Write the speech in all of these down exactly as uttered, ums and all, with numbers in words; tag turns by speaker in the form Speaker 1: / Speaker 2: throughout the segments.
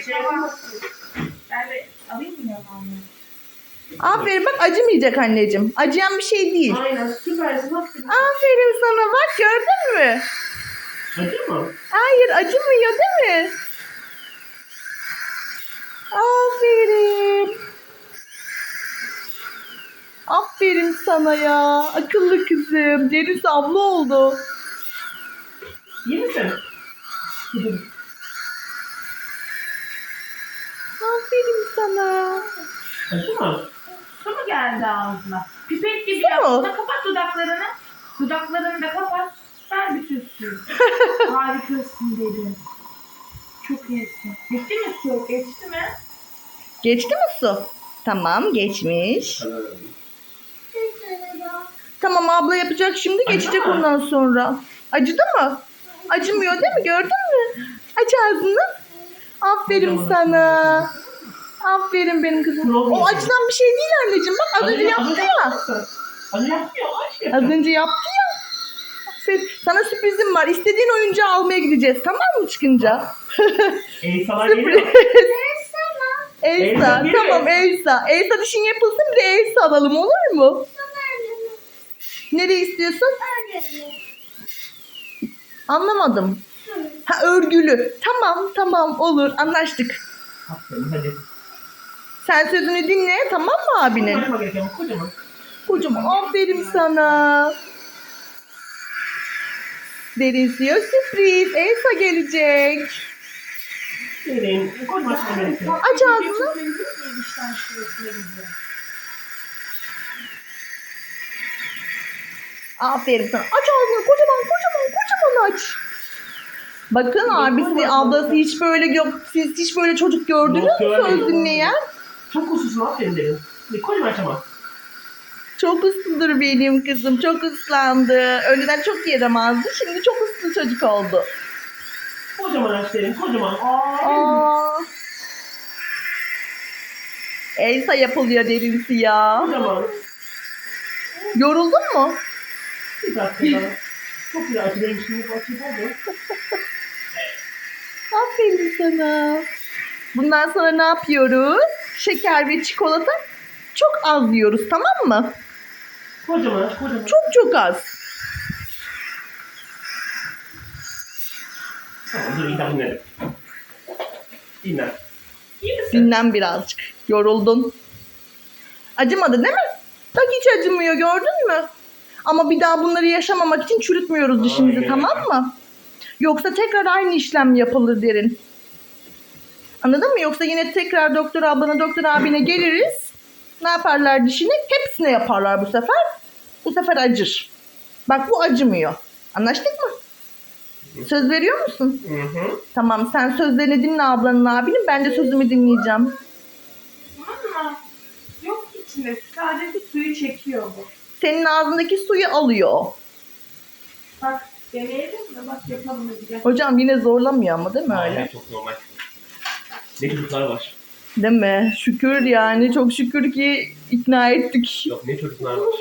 Speaker 1: şey yapamazsın. Ben de alayım mı yanağını?
Speaker 2: Aferin bak, acımayacak anneciğim. Acıyan bir şey değil.
Speaker 1: Aynen süpersin. Aferin.
Speaker 2: Aferin sana, bak gördün mü?
Speaker 1: Acı mı?
Speaker 2: Hayır, acımıyor değil mi? Aferin. Aferin sana ya. Akıllı kızım. Deniz abla oldu.
Speaker 1: İyi misin?
Speaker 2: Aferin sana.
Speaker 1: Acı mı? Su mu geldi ağzına? Pipet gibi
Speaker 2: Su
Speaker 1: yap.
Speaker 2: mu?
Speaker 1: Buna kapat dudaklarını. Dudaklarını da kapat. Ver bütün suyu. Harikasın dedim. Çok iyisin. Geçti mi su? Geçti mi?
Speaker 2: Geçti mi su? Tamam, geçmiş. Tamam, abla yapacak şimdi,
Speaker 1: Acıdı
Speaker 2: geçecek
Speaker 1: mı?
Speaker 2: ondan sonra. Acıdı mı? Acımıyor değil mi? Gördün mü? Aç ağzını. Aferin
Speaker 1: Kocaman
Speaker 2: sana. Aferin benim kızım. O acıdan bir şey değil anneciğim. Bak az önce yaptı ya.
Speaker 1: Az önce yaptı ya. Aç
Speaker 2: Az önce yaptı ya. Aferin. Sana sürprizim var. İstediğin oyuncağı almaya gideceğiz. Tamam mı çıkınca?
Speaker 1: Elsa'lar
Speaker 2: Sürpriz.
Speaker 1: geliyor.
Speaker 2: Elsa.
Speaker 1: Elsa geliyor.
Speaker 2: Tamam Elsa. Elsa dişin yapılsın, bir de Elsa alalım, olur mu? Nereye istiyorsun? Anlamadım. Ha, örgülü. Tamam tamam, olur, anlaştık.
Speaker 1: Aferin hadi.
Speaker 2: Sen sözünü dinle, tamam mı abinin?
Speaker 1: Kocaman gerekiyor ama kocaman.
Speaker 2: Kocaman aferin sana. Derin suya sürpriz. Elsa gelecek.
Speaker 1: Derin. Kocaman şey gerekiyor.
Speaker 2: Aç ağzını. Aferin sana. Aç ağzını, kocaman kocaman kocaman aç. Bakın abisi, ablası hiç böyle yok. Siz hiç böyle çocuk gördünüz
Speaker 1: Yok,
Speaker 2: mü
Speaker 1: görmedim.
Speaker 2: söz dinleyen?
Speaker 1: Çok ususun aferin derin. Bir kocaman açamam.
Speaker 2: Çok usludur benim kızım. Çok ıslandı. Önceden çok yaramazdı. Şimdi çok uslu çocuk oldu.
Speaker 1: Kocaman aç derin. Kocaman. Aa.
Speaker 2: Aa. Elsa yapılıyor derinsi ya.
Speaker 1: Kocaman.
Speaker 2: Yoruldun mu?
Speaker 1: Bir dakika daha. Çok güzel acı benim şimdi bu acı oldu.
Speaker 2: Aferin sana. Bundan sonra ne yapıyoruz? Şeker ve çikolata çok az yiyoruz, tamam mı?
Speaker 1: Kocaman aç kocaman.
Speaker 2: Çok çok az.
Speaker 1: Tamam dur iyi tamam dinledim. Dinle. İyi misin?
Speaker 2: Dinlen birazcık. Yoruldun. Acımadı değil mi? Bak hiç acımıyor, gördün mü? Ama bir daha bunları yaşamamak için çürütmüyoruz dişimizi,
Speaker 1: Aynen.
Speaker 2: tamam mı? Yoksa tekrar aynı işlem yapılır derin. Anladın mı? Yoksa yine tekrar doktor ablana, doktor abine geliriz. Ne yaparlar dişini? Hepsine yaparlar bu sefer. Bu sefer acır. Bak bu acımıyor. Anlaştık mı? Söz veriyor musun?
Speaker 1: Hı hı.
Speaker 2: Tamam, sen sözlerini dinle ablanın, abinin. Ben de sözümü dinleyeceğim.
Speaker 1: Ama yok içinde. Sadece suyu çekiyor bu.
Speaker 2: Senin ağzındaki suyu alıyor.
Speaker 1: Bak deneyelim mi? Bak yapalım hadi gel.
Speaker 2: Hocam yine zorlamıyor ama değil mi öyle?
Speaker 1: Aynen, çok normal. Ne çocuklar var.
Speaker 2: Değil mi? Şükür yani. Çok şükür ki ikna ettik.
Speaker 1: Yok ne çocuklar var.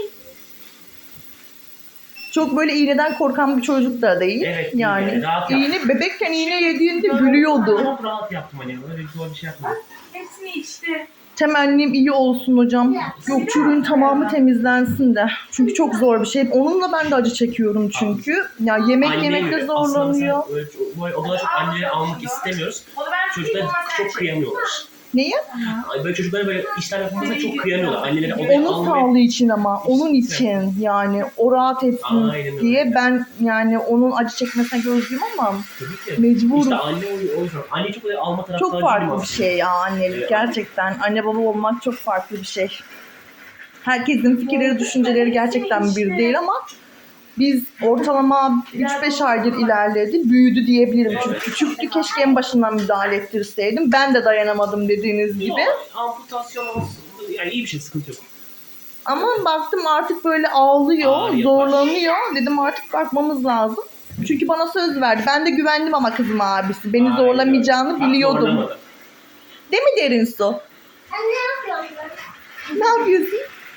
Speaker 2: Çok böyle iğneden korkan bir çocuk da değil.
Speaker 1: Evet,
Speaker 2: yani
Speaker 1: iğne, rahat yap.
Speaker 2: iğne bebekken iğne yediğinde gülüyordu.
Speaker 1: Çok rahat yaptım hani. Öyle zor bir şey yapmadım. Hepsini içti.
Speaker 2: Temennim iyi olsun hocam. Yok, çürüğün tamamı temizlensin de. Çünkü çok zor bir şey. Onunla ben de acı çekiyorum çünkü. Ya yemek
Speaker 1: Anneye
Speaker 2: yemekte
Speaker 1: göre.
Speaker 2: zorlanıyor.
Speaker 1: Aslında öyle, böyle, o kadar çok anneleri almak istemiyoruz. Çocuklar çok kıyamıyorlar.
Speaker 2: Neyi?
Speaker 1: Ay, böyle çocuklara böyle işler yapılmasa çok kıyamıyorlar. Anneleri odaya
Speaker 2: Onun
Speaker 1: almayı...
Speaker 2: sağlığı için ama. Onun için yani. O rahat etsin
Speaker 1: Aynen öyle.
Speaker 2: diye ben yani onun acı çekmesine gözlüyüm ama
Speaker 1: Tabii ki.
Speaker 2: mecburum.
Speaker 1: İşte anne o, o yüzden. Anne çok öyle alma taraftarı
Speaker 2: Çok
Speaker 1: değilim
Speaker 2: farklı bir
Speaker 1: aslında.
Speaker 2: şey ya annelik,
Speaker 1: Evet.
Speaker 2: gerçekten. Anne baba olmak çok farklı bir şey. Herkesin fikirleri, düşünceleri gerçekten bir değil ama biz ortalama üç beş aydır ilerledi, büyüdü diyebilirim. Çünkü küçüktü, keşke en başından müdahale ettirseydim. Ben de dayanamadım dediğiniz gibi.
Speaker 1: Yok, amputasyon olsun. Yani iyi bir şey, sıkıntı yok.
Speaker 2: Ama baktım artık böyle ağlıyor,
Speaker 1: Ağrıyor.
Speaker 2: zorlanıyor. Dedim artık bakmamız lazım. Çünkü bana söz verdi. Ben de güvendim ama kızım abisi. Beni
Speaker 1: Aynen.
Speaker 2: zorlamayacağını
Speaker 1: Bak,
Speaker 2: biliyordum.
Speaker 1: zorlamadı.
Speaker 2: Değil mi Derin Su?
Speaker 3: Sen ne yapıyorsun?
Speaker 2: Ne yapıyorsun?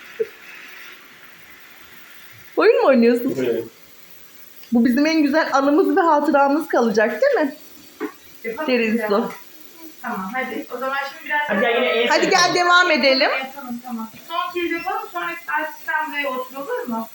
Speaker 2: Oyun mu oynuyorsun?
Speaker 1: Evet.
Speaker 2: Bu bizim en güzel anımız ve hatıramız kalacak değil mi?
Speaker 1: Yapalım
Speaker 2: Derin
Speaker 1: ya.
Speaker 2: Su.
Speaker 1: Tamam hadi. O zaman şimdi biraz...
Speaker 4: Hadi gel yine el
Speaker 2: Hadi gel devam edelim.
Speaker 1: Yapalım tamam. Son kez yapalım. Sonraki saat sen buraya otur olur mu?